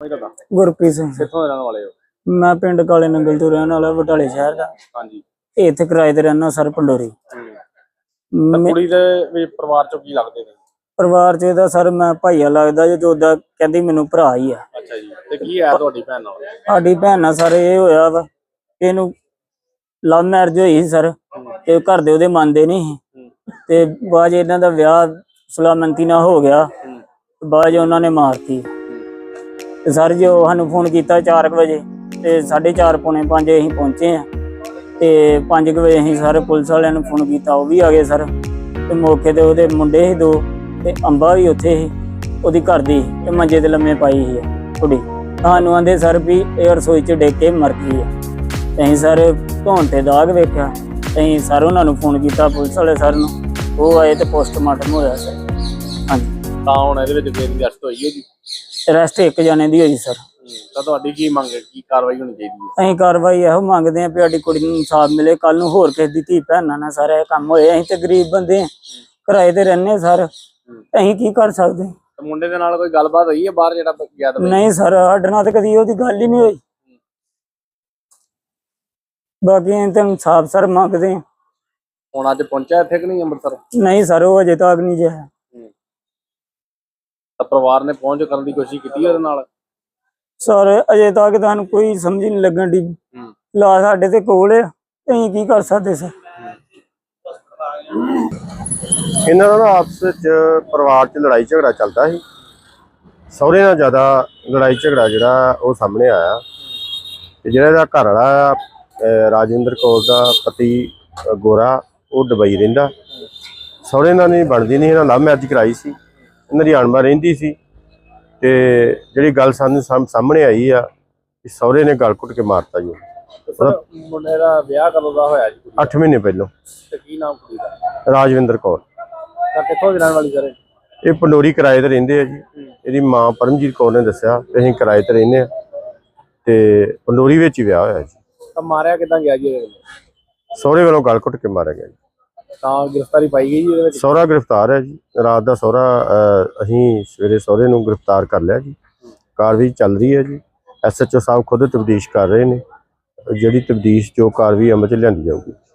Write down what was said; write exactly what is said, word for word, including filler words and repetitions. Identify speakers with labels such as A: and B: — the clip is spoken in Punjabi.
A: ਗੁਰਪ੍ਰੀਤ ਸਿੰਘ।
B: ਕਿੱਥੋਂ ਦੇ ਰਹਿਣ ਵਾਲੇ ਹੋ?
A: ਮੈਂ ਪਿੰਡ ਕਾਲੇ ਨੰਗਲ ਤੋਂ ਰਹਿਣ ਵਾਲਾ, ਬਟਾਲੇ ਸ਼ਹਿਰ ਦਾ।
B: ਹਾਂਜੀ।
A: ਇੱਥੇ ਕਿਰਾਏ ਤੇ ਰਹਿਣਾ ਸਰ, ਪੰਡੋਰੀ।
B: ਕੁੜੀ ਦੇ ਵੀ ਪਰਿਵਾਰ ਚੋਂ ਕੀ ਲੱਗਦੇ ਨੇ?
A: ਪਰਿਵਾਰ ਚ ਇਹਦਾ ਸਰ ਮੈਂ ਭਾਈਆ ਲੱਗਦਾ ਜੇ, ਉਹਦਾ ਕਹਿੰਦੀ ਮੈਨੂੰ ਭਰਾ ਹੀ ਆ।
B: ਅੱਛਾ ਜੀ। ਤੇ ਕੀ ਹੈ ਤੁਹਾਡੀ ਭੈਣ ਨਾਲ?
A: ਸਾਡੀ ਭੈਣ ਨਾਲ ਸਰ ਇਹ ਹੋਇਆ ਵਾ, ਇਹਨੂੰ ਲਵ ਮੈਰਿਜ ਹੋਈ ਸੀ ਸਰ, ਤੇ ਘਰ ਦੇ ਉਹਦੇ ਮੰਨਦੇ ਨਹੀਂ ਸੀ, ਤੇ ਬਾਅਦ ਇਹਨਾਂ ਦਾ ਵਿਆਹ ਸੁਲਾਮੰਤੀ ਨਾਲ ਹੋ ਗਿਆ, ਬਾਅਦ ਚ ਉਹਨਾਂ ਨੇ ਮਾਰਤੀ। ਤੇ ਸਰ ਜੋ ਸਾਨੂੰ ਫੋਨ ਕੀਤਾ ਚਾਰ ਕੁ ਵਜੇ, ਤੇ ਸਾਢੇ ਚਾਰ ਪੌਣੇ ਪੰਜ ਅਸੀਂ ਪਹੁੰਚੇ ਆ, ਤੇ ਪੰਜ ਕੁ ਵਜੇ ਅਸੀਂ ਸਾਰੇ ਪੁਲਿਸ ਵਾਲਿਆਂ ਨੂੰ ਫੋਨ ਕੀਤਾ, ਉਹ ਵੀ ਆ ਗਏ ਸਰ। ਤੇ ਮੌਕੇ ਤੇ ਉਹਦੇ ਮੁੰਡੇ ਸੀ ਦੋ, ਤੇ ਅੰਬਾ ਵੀ ਉੱਥੇ ਸੀ ਉਹਦੀ ਘਰ ਦੀ, ਤੇ ਮੰਜੇ ਤੇ ਲੰਮੇ ਪਾਈ ਸੀ ਕੁੜੀ। ਸਾਨੂੰ ਆਂਦੇ ਸਰ ਵੀ ਇਹ ਰਸੋਈ ਚ ਡਿੱਗ ਕੇ ਮਰ ਗਈ ਆ। ਅਸੀਂ ਸਰ ਧੌਣ ਤੇ ਦਾਗ ਵੇਖਿਆ, ਅਸੀਂ ਸਰ ਉਹਨਾਂ ਨੂੰ ਫੋਨ ਕੀਤਾ ਪੁਲਿਸ ਵਾਲੇ ਸਰ ਨੂੰ, ਉਹ ਆਏ ਤੇ ਪੋਸਟਮਾਰਟਮ ਹੋਇਆ ਸਰ। ਹਾਂਜੀ।
B: ਤਾਂ ਹੁਣ ਇਹਦੇ ਵਿੱਚ ਕਿਹਦੀ ਅਰੈਸਟ ਹੋਈ ਹੈ ਜੀ?
A: ਅਰੈਸਟ ਇੱਕ ਜਾਣੇ ਦੀ ਹੋਈ ਸਰ।
B: ਤਾਂ ਤੁਹਾਡੀ ਕੀ ਮੰਗ ਹੈ, ਕੀ ਕਾਰਵਾਈ ਹੋਣੀ ਚਾਹੀਦੀ ਹੈ?
A: ਅਸੀਂ ਕਾਰਵਾਈ ਇਹੋ ਮੰਗਦੇ ਹਾਂ ਵੀ ਸਾਡੀ ਕੁੜੀ ਨੂੰ ਇਨਸਾਫ ਮਿਲੇ, ਕੱਲ ਨੂੰ ਹੋਰ ਕਿਸੇ ਦੀ ਧੀ ਭੈਣਾਂ ਨਾਲ ਸਾਰਾ ਇਹ ਕੰਮ ਹੋਏ। ਅਸੀਂ ਤੇ ਗਰੀਬ ਬੰਦੇ ਹਾਂ, ਕਿਰਾਏ ਤੇ ਰਹਿੰਦੇ ਸਰ, ਅਸੀਂ ਕੀ ਕਰ ਸਕਦੇ?
B: ਮੁੰਡੇ ਦੇ ਨਾਲ ਕੋਈ ਗੱਲਬਾਤ ਹੋਈ ਹੈ ਬਾਹਰ ਜਿਹੜਾ ਗਿਆ?
A: ਨਹੀਂ ਸਰ, ਸਾਡੇ ਨਾਲ ਤਾਂ ਕਦੀ ਉਹਦੀ ਗੱਲ ਹੀ ਨਹੀਂ ਹੋਈ। ਬਾਕੀ ਅਸੀਂ ਤਾਂ ਇਨਸਾਫ ਸਰ ਮੰਗਦੇ ਹਾਂ।
B: ਹੁਣ ਅੱਜ ਪਹੁੰਚਿਆ ਇੱਥੇ ਕਿ ਨਹੀਂ ਅੰਮ੍ਰਿਤਸਰ?
A: ਨਹੀਂ ਸਰ, ਉਹ ਅਜੇ ਤੱਕ ਨਹੀਂ ਜਿਆ।
B: ਤਾਂ ਪਰਿਵਾਰ ਨੇ ਪਹੁੰਚ ਕਰਨ ਦੀ ਕੋਸ਼ਿਸ਼ ਕੀਤੀ ਉਹਦੇ ਨਾਲ?
A: ਸਰ ਅਜੇ ਤੱਕ ਤੁਹਾਨੂੰ ਕੋਈ ਸਮਝ ਨਹੀਂ ਲੱਗਣ ਦੀ, ਲਾ ਸਾਡੇ ਤੇ ਕੋਲ ਆ, ਅਸੀਂ ਕੀ ਕਰ ਸਕਦੇ ਸਰ?
C: ਇਹਨਾਂ ਦਾ ਆਪਸ ਵਿੱਚ ਪਰਿਵਾਰ 'ਚ ਲੜਾਈ ਝਗੜਾ ਚੱਲਦਾ ਸੀ। ਸਹੁਰੇ ਨਾਲ ਜ਼ਿਆਦਾ ਲੜਾਈ ਝਗੜਾ ਜਿਹੜਾ ਉਹ ਸਾਹਮਣੇ ਆਇਆ, ਤੇ ਜਿਹੜਾ ਇਹਦਾ ਘਰ ਵਾਲਾ ਰਾਜਿੰਦਰ ਕੌਰ ਦਾ ਪਤੀ ਗੋਰਾ, ਉਹ ਦੁਬਈ ਰਹਿੰਦਾ। ਸਹੁਰੇ ਨਾਲ ਨਹੀਂ ਬਣਦੀ ਨਹੀਂ, ਇਹਨਾਂ ਲਵ ਮੈਰਿਜ ਕਰਾਈ ਸੀ, ਇਹਨਾਂ ਦੀ ਅਣਬਣ ਰਹਿੰਦੀ ਸੀ। ਤੇ ਜਿਹੜੀ ਗੱਲ ਸਾਨੂੰ ਸਾਹਮਣੇ ਆਈ ਆ ਕਿ ਸਹੁਰੇ ਨੇ ਗਲ ਘੁੱਟ ਕੇ ਮਾਰਤਾ ਜੀ।
B: ਮੁੰਡੇ ਦਾ ਵਿਆਹ ਕਦੋਂ ਦਾ ਹੋਇਆ ਜੀ?
C: ਅੱਠ ਮਹੀਨੇ ਪਹਿਲਾਂ।
B: ਤੇ ਕੀ ਨਾਮ ਕੁੜੀ ਦਾ?
C: ਰਾਜਵਿੰਦਰ ਕੌਰ।
B: ਤਾਂ ਕਿੱਥੋਂ ਦੀ ਰਹਿਣ ਵਾਲੀ ਸਰ?
C: ਇਹ ਪੰਡੋਰੀ ਕਿਰਾਏ ਤੇ ਰਹਿੰਦੇ ਆ ਜੀ। ਇਹਦੀ ਮਾਂ ਪਰਮਜੀਤ ਕੌਰ ਨੇ ਦੱਸਿਆ ਕਿ ਅਸੀਂ ਕਿਰਾਏ ਤੇ ਰਹਿੰਦੇ ਆ, ਤੇ ਪੰਡੋਰੀ ਵਿੱਚ ਹੀ ਵਿਆਹ ਹੋਇਆ ਜੀ।
B: ਤਾਂ ਮਾਰਿਆ ਕਿੱਦਾਂ ਗਿਆ ਜੀ?
C: ਸਹੁਰੇ ਵੱਲੋਂ ਗਲ ਘੁੱਟ ਕੇ ਮਾਰਿਆ ਗਿਆ ਜੀ।
B: ਤਾਂ ਗ੍ਰਿਫਤਾਰੀ ਪਾਈ ਗਈ ਜੀ ਇਹਦੇ ਵਿੱਚ?
C: ਸਹੁਰਾ ਗ੍ਰਿਫਤਾਰ ਹੈ ਜੀ। ਰਾਤ ਦਾ ਸਹੁਰਾ ਅਸੀਂ ਸਵੇਰੇ ਸਹੁਰੇ ਨੂੰ ਗ੍ਰਿਫਤਾਰ ਕਰ ਲਿਆ ਜੀ। ਕਾਰਵਾਈ ਚੱਲ ਰਹੀ ਹੈ ਜੀ। ਐਸ ਐਚ ਓ ਸਾਹਿਬ ਖੁਦ ਤਬਦੀਸ਼ ਕਰ ਰਹੇ ਨੇ, ਜਿਹੜੀ ਤਬਦੀਸ਼ ਜੋ ਕਾਰਵਾਈ ਅਮਲ 'ਚ ਲਿਆਂਦੀ ਜਾਊਗੀ।